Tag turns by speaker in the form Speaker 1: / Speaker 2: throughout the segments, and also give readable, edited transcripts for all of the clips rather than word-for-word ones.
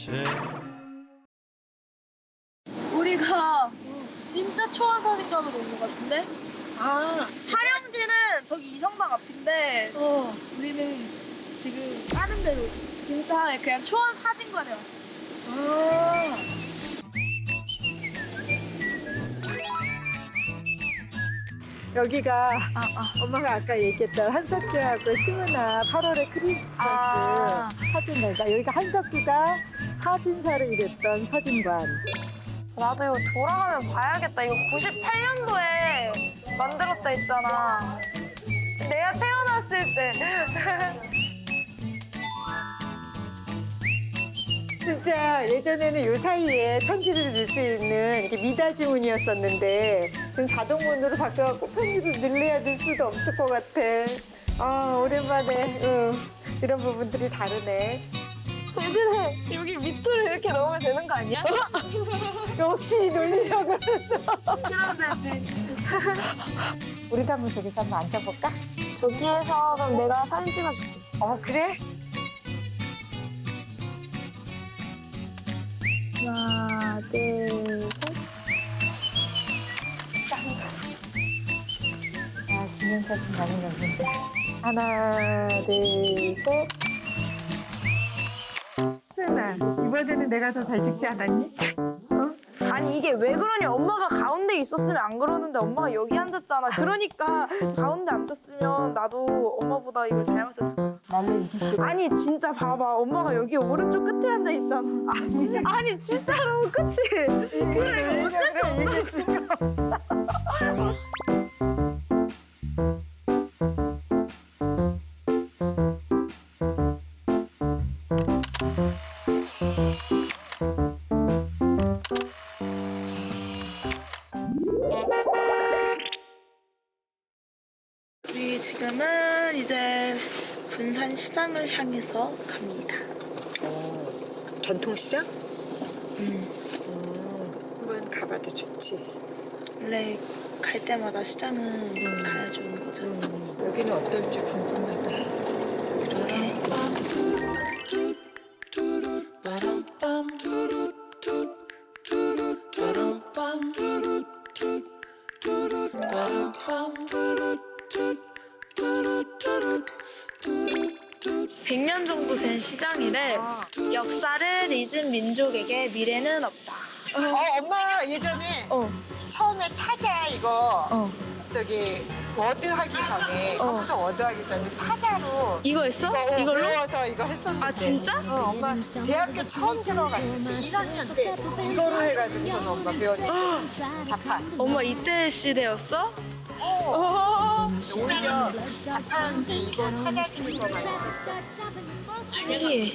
Speaker 1: 우리가 진짜 초원 사진관으로 온 것 같은데?
Speaker 2: 아,
Speaker 1: 촬영지는 저기 이성당 앞인데 우리는 지금 다른 데로 진짜 그냥 초원 사진관에 왔어.
Speaker 2: 아. 여기가 엄마가 아까 얘기했던 한석규하고 시문아 8월의 크리스마스 사진관이다. 여기가 한석규가 사진사를 일했던 사진관.
Speaker 3: 나도 이거 돌아가면 봐야겠다. 이거 98년도에 만들었다 했잖아. 내가 태어났을 때.
Speaker 2: 진짜 예전에는 요 사이에 편지를 넣을 수 있는 이렇게 미닫이문이었었는데 지금 자동문으로 바뀌어갖고 편지를 넣어야 될 수도 없을 것 같아. 아, 오랜만에 이런 부분들이 다르네.
Speaker 3: 대신에 여기 밑으로 이렇게 넣으면 되는 거 아니야?
Speaker 2: 역시 놀리려고 했어.
Speaker 3: 그러네.
Speaker 2: 우리도 한번 저기서 한번 앉아볼까?
Speaker 3: 저기에서 그럼 내가 사진 찍어줄게.
Speaker 2: 그래?
Speaker 3: 하나, 둘, 셋.
Speaker 2: 아, 기념사진 많이 넣는다. 하나, 둘, 셋. 수연아, 이번에는 내가 더 잘 찍지 않았니?
Speaker 3: 아니 이게 왜 그러냐. 엄마가 가운데 있었으면 안 그러는데 엄마가 여기 앉았잖아. 그러니까 가운데 앉았으면 나도 엄마보다 이걸 잘 맞췄을 거야.
Speaker 2: 나를 이기고.
Speaker 3: 아니 진짜 봐봐. 엄마가 여기 오른쪽 끝에 앉아 있잖아. 아니 진짜로 그치? 그래 이거 어쩔 수 없다.
Speaker 1: 우리 지금은 이제 군산시장을 향해서 갑니다.
Speaker 2: 전통시장? 한번 가봐도 좋지.
Speaker 1: 원래 갈 때마다 시장은 가야 좋은 거잖아.
Speaker 2: 여기는 어떨지 궁금하다.
Speaker 1: 그러게. (100년) 정도 된 시장이래. 역사를 잊은 민족에게 미래는 없다.
Speaker 2: 엄마 예전에 처음에 타자 이거 저기 워드 하기 전에 컴퓨터 워드 하기 전에 타자로
Speaker 1: 이거 했어?
Speaker 2: 이거
Speaker 1: 이걸로?
Speaker 2: 외워서 이거 했었는데.
Speaker 1: 아, 진짜?
Speaker 2: 엄마 대학교 처음 들어갔을 때 1학년 때 이거로 해가지고서는 엄마 배웠는데 자판.
Speaker 1: 엄마 이때 시대였어?
Speaker 2: 오히려 자판 이거 타자 기는 거 많이 썼어.
Speaker 1: 신기해.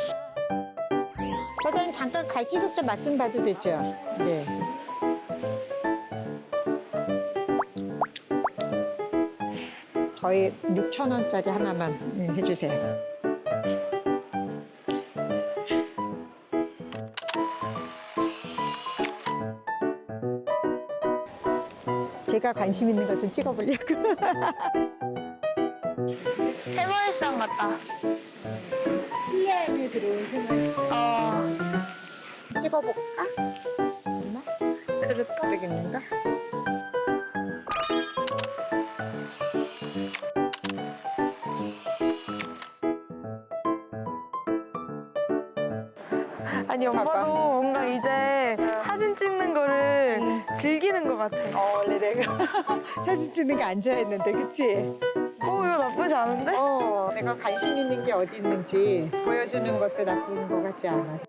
Speaker 2: 사장님 잠깐 갈치 속젓 맛 좀 봐도 되죠? 네. 저희 6,000원짜리 하나만 해주세요. 제가 관심 있는 거 좀 찍어보려고.
Speaker 3: 새마을시장 같다.
Speaker 2: 신라에 들어온 생활시장. 찍어볼까? 엄마? 그릇 되겠는가?
Speaker 3: 아니 엄마도
Speaker 2: 봐봐.
Speaker 3: 뭔가 이제 사진 찍는 거를 즐기는 것 같아.
Speaker 2: 원래 내가 사진 찍는 거 안 좋아했는데, 그치?
Speaker 3: 이거 나쁘지 않은데?
Speaker 2: 내가 관심 있는 게 어디 있는지 보여주는 것도 나쁜 것 같지 않아.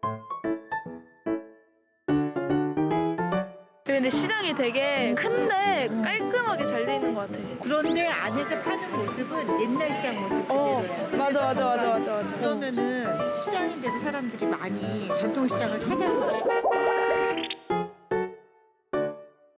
Speaker 1: 근데 시장이 되게 큰데 깔끔하게 잘 돼 있는 것 같아.
Speaker 2: 그런데 안에서 파는 모습은 옛날 시장 모습 그대로야.
Speaker 1: 맞아.
Speaker 2: 그러면은 시장인데도 사람들이 많이 전통시장을 찾아서